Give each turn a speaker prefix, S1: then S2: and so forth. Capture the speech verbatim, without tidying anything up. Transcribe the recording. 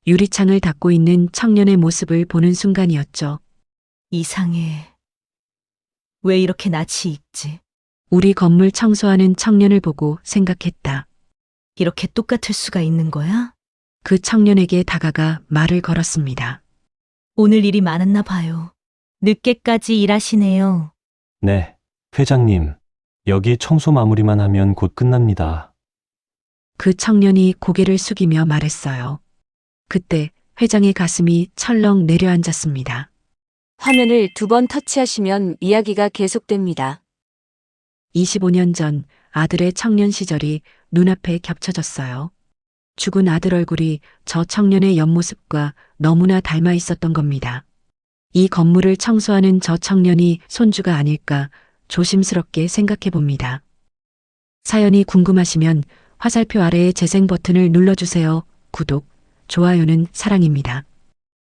S1: 유리창을 닫고 있는 청년의 모습을 보는 순간이었죠.
S2: 이상해. 왜 이렇게 낯이 익지?
S1: 우리 건물 청소하는 청년을 보고 생각했다.
S2: 이렇게 똑같을 수가 있는 거야?
S1: 그 청년에게 다가가 말을 걸었습니다.
S2: 오늘 일이 많았나 봐요. 늦게까지 일하시네요.
S3: 네, 회장님. 여기 청소 마무리만 하면 곧 끝납니다.
S1: 그 청년이 고개를 숙이며 말했어요. 그때 회장의 가슴이 철렁 내려앉았습니다.
S4: 화면을 두 번 터치하시면 이야기가 계속됩니다.
S1: 이십오 년 전 아들의 청년 시절이 눈앞에 겹쳐졌어요. 죽은 아들 얼굴이 저 청년의 옆모습과 너무나 닮아 있었던 겁니다. 이 건물을 청소하는 저 청년이 손주가 아닐까 조심스럽게 생각해 봅니다. 사연이 궁금하시면 화살표 아래의 재생 버튼을 눌러주세요. 구독, 좋아요는 사랑입니다.